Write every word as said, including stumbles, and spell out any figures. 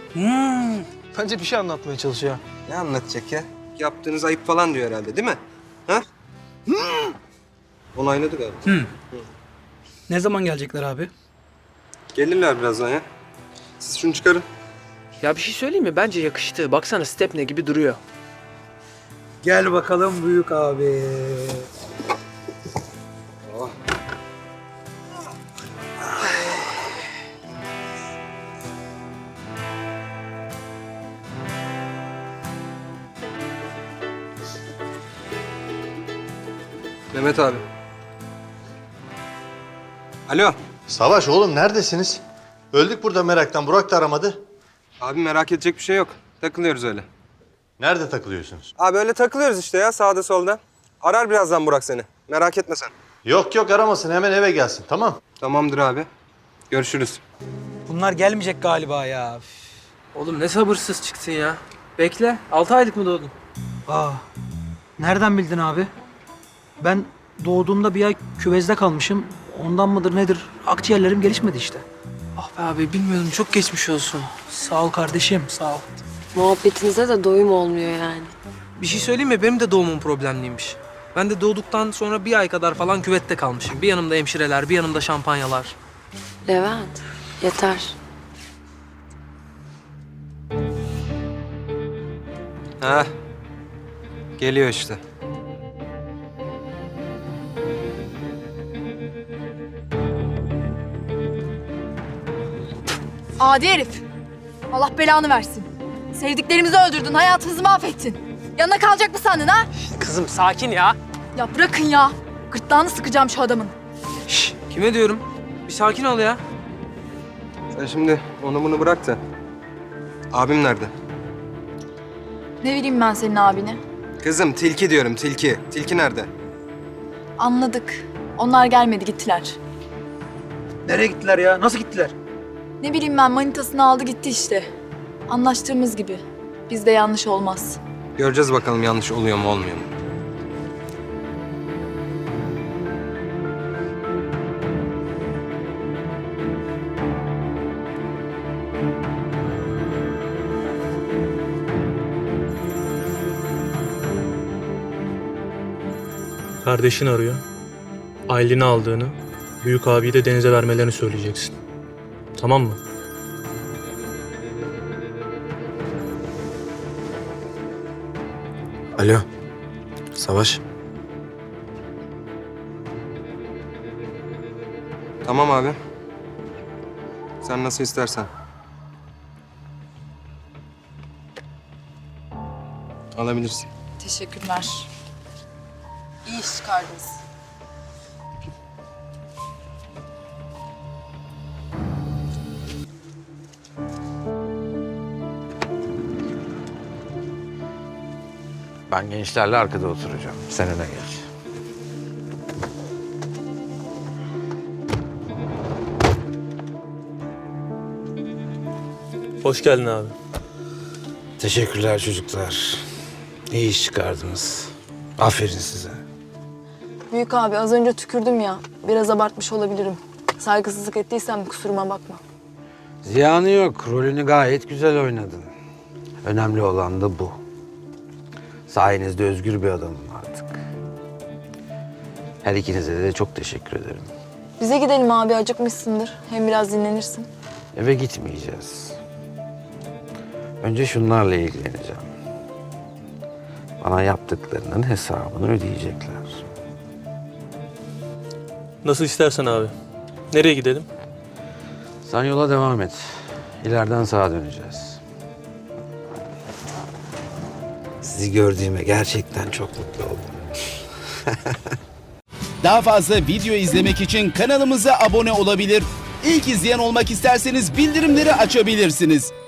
Hmm, bence bir şey anlatmaya çalışıyor. Ne anlatacak ya? Yaptığınız ayıp falan diyor herhalde değil mi? Ha? Onayladı galiba. Hmm. Ne zaman gelecekler abi? Gelirler birazdan ya. Siz şunu çıkarın. Ya bir şey söyleyeyim mi? Bence yakıştı. Baksana Stepne gibi duruyor. Gel bakalım büyük abi. Oh. Mehmet abi. Alo. Savaş oğlum neredesiniz? Öldük burada meraktan. Burak da aramadı. Abi merak edecek bir şey yok. Takılıyoruz öyle. Nerede takılıyorsunuz? Abi öyle takılıyoruz işte ya sağda solda. Arar birazdan Burak seni. Merak etme sen. Yok yok aramasın. Hemen eve gelsin. Tamam. Tamamdır abi. Görüşürüz. Bunlar gelmeyecek galiba ya. Oğlum ne sabırsız çıktın ya. Bekle. Altı aylık mı doğdun? Aa, nereden bildin abi? Ben doğduğumda bir ay küvezde kalmışım. Ondan mıdır nedir? Akciğerlerim gelişmedi işte. Ah be abi bilmiyordum. Çok geçmiş olsun. Sağ ol kardeşim, sağ ol. Muhabbetinize de doyum olmuyor yani. Bir şey söyleyeyim mi? Benim de doğumum problemliymiş. Ben de doğduktan sonra bir ay kadar falan küvette kalmışım. Bir yanımda hemşireler, bir yanımda şampanyalar. Levent, yeter. Ha. Geliyor işte. Adi herif. Allah belanı versin. Sevdiklerimizi öldürdün, hayatımızı mahvettin. Yanına kalacak mı sandın ha? Kızım sakin ya. Ya bırakın ya. Gırtlağını sıkacağım şu adamın. Şş, kime diyorum? Bir sakin ol ya. Sen şimdi onu bunu bırak da. Abim nerede? Ne bileyim ben senin abini. Kızım tilki diyorum tilki. Tilki nerede? Anladık. Onlar gelmedi, gittiler. Nereye gittiler ya? Nasıl gittiler? Ne bileyim ben, manitasını aldı gitti işte. Anlaştığımız gibi. Bizde yanlış olmaz. Göreceğiz bakalım yanlış oluyor mu olmuyor mu? Kardeşin arıyor. Aylin'i aldığını, büyük abiyi de Deniz'e vermelerini söyleyeceksin. Tamam mı? Alo, Savaş. Tamam abi. Sen nasıl istersen. Alabilirsin. Teşekkürler. İyi iş çıkardınız. Ben gençlerle arkada oturacağım. Sen öne geç. Hoş geldin abi. Teşekkürler çocuklar. İyi iş çıkardınız. Aferin size. Büyük abi, az önce tükürdüm ya. Biraz abartmış olabilirim. Saygısızlık ettiysem kusuruma bakma. Ziyanı yok. Rolünü gayet güzel oynadın. Önemli olan da bu. Sayenizde özgür bir adamım artık. Her ikinize de çok teşekkür ederim. Bize gidelim abi, acıkmışsındır. Hem biraz dinlenirsin. Eve gitmeyeceğiz. Önce şunlarla ilgileneceğim. Bana yaptıklarının hesabını ödeyecekler. Nasıl istersen abi. Nereye gidelim? Sen yola devam et. İleriden sağa döneceğiz. Sizi gördüğüme gerçekten çok mutlu oldum. Daha fazla video izlemek için kanalımıza abone olabilir. İlk izleyen olmak isterseniz bildirimleri açabilirsiniz.